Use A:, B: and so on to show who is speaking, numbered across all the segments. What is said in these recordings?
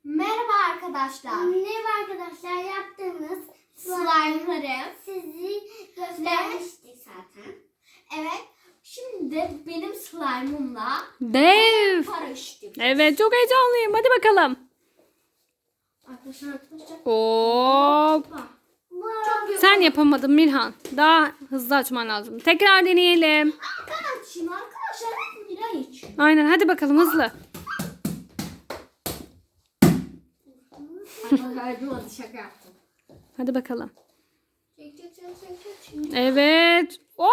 A: Merhaba arkadaşlar.
B: Merhaba arkadaşlar, yaptığımız
A: Slime'ları
B: sizi göstermiştik zaten.
A: Evet. Şimdi de benim slime'ımla
C: Dev.
A: paraşüt.
C: Evet, çok heyecanlıyım. Hadi bakalım.
A: Arkadaşlar.
C: Hop.
A: Çok güzel.
C: Sen yapamadın Mirhan. Daha hızlı açman lazım. Tekrar deneyelim.
A: Arkadaşlar hep Mira için.
C: Aynen, hadi bakalım hızlı.
A: Hadi şaka yaptım.
C: Hadi bakalım.
A: Çek.
C: Evet. Oo!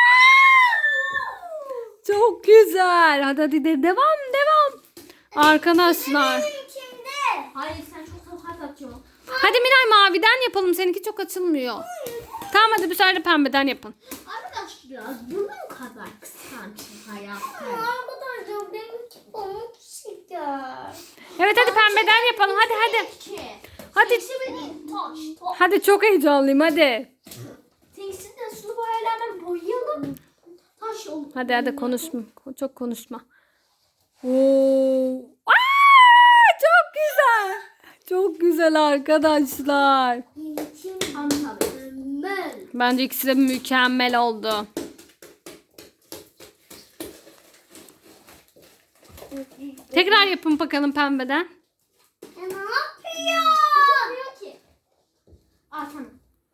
C: Çok güzel. Hadi devam. Arkadaşlar.
B: İçinde.
A: Hayır sen çok sokak atıyorsun.
C: Hadi Miray maviden yapalım. Seninki çok açılmıyor. Tamam, hadi bir sefer de pembeden yapın.
A: Arkadaşlar bunun kadar kıskanç hayatta.
B: Arkadaşlar benimki pamuk şeker.
C: Evet, hadi pembeden yapalım. Hadi. Hadi.
A: Tinks'i benim taş.
C: Hadi, çok heyecanlıyım hadi.
A: Tinks'i de sulu boyalardan boyayalım. Taş olur.
C: Hadi konuşma. Çok konuşma. Oo. Aa, çok güzel. Çok güzel arkadaşlar.
B: İçim
A: Anladım.
B: mükemmel.
C: Bence ikisi de mükemmel oldu. Tekrar yapın bakalım pembeden.
B: Ne yapıyor?
A: Yapmıyor ki. Aa tamam.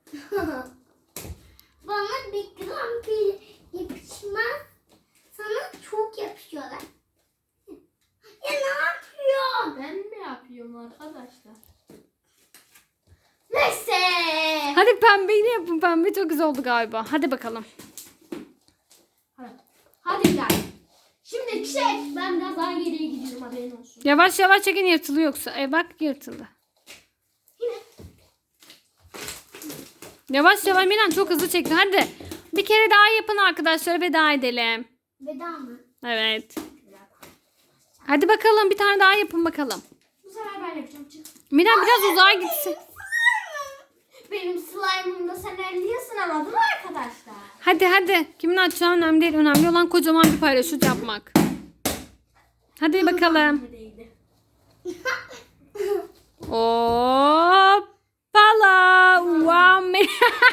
B: Bana bir gram bile yapışmaz. Sana çok yapışıyorlar. Ya ne yapıyor?
A: Ben mi yapıyorum arkadaşlar? Neyse.
C: Hadi pembeyi de yapın. Pembe çok güzel oldu galiba. Hadi bakalım.
A: Hadi gel. Şimdi çek. Ben biraz daha geriye gidiyorum haberin olsun.
C: Yavaş çekin, yırtılıyor yoksa. Bak yırtıldı.
A: Yine.
C: Yavaş Miran çok hızlı çekti. Hadi. Bir kere daha yapın arkadaşlar, veda edelim.
B: Veda mı?
C: Evet. Hadi bakalım, bir tane daha yapın bakalım.
A: Bu sefer ben yapacağım. Çık.
C: Miran biraz uzağa gitsin.
A: Benim slime'ımda sen elliyorsun ama değil mi arkadaşlar?
C: Hadi. Kimin açacağı önemli değil. Önemli olan kocaman bir paraşüt yapmak. Hadi bakalım.
A: Değdi.
C: Hoppala. Wow.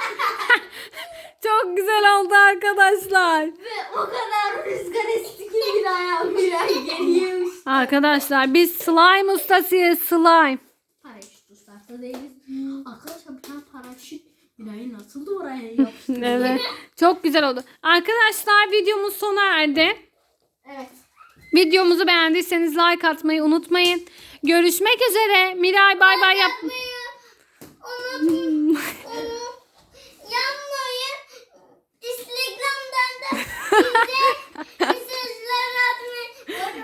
C: Çok güzel oldu arkadaşlar.
A: Ve o kadar rüzgar esti ki bir ayağım geriye uçtu.
C: Arkadaşlar biz slime ustasıyız, slime.
A: Paraşüt ustası değiliz. Arkadaşlar bir tane paraşüt Miray'ı nasıl da oraya yapıştı?
C: Evet. Çok güzel oldu. Arkadaşlar videomuz sona erdi.
A: Evet.
C: Videomuzu beğendiyseniz like atmayı unutmayın. Görüşmek üzere. Miray bay bay yap.
B: Onu yapmayın. Instagram'dan da bize mesajlar atmayı.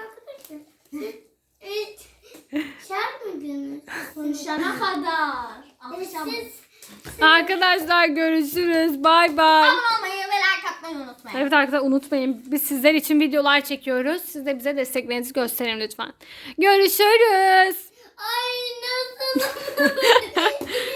B: Şart mıydınız?
A: Konuşana kadar. Akşam.
C: Arkadaşlar görüşürüz. Bay bay.
A: Abone olmayı ve like atmayı unutmayın.
C: Evet arkadaşlar, unutmayın. Biz sizler için videolar çekiyoruz. Siz de bize desteklerinizi gösterin lütfen. Görüşürüz.
B: Ay nasıl?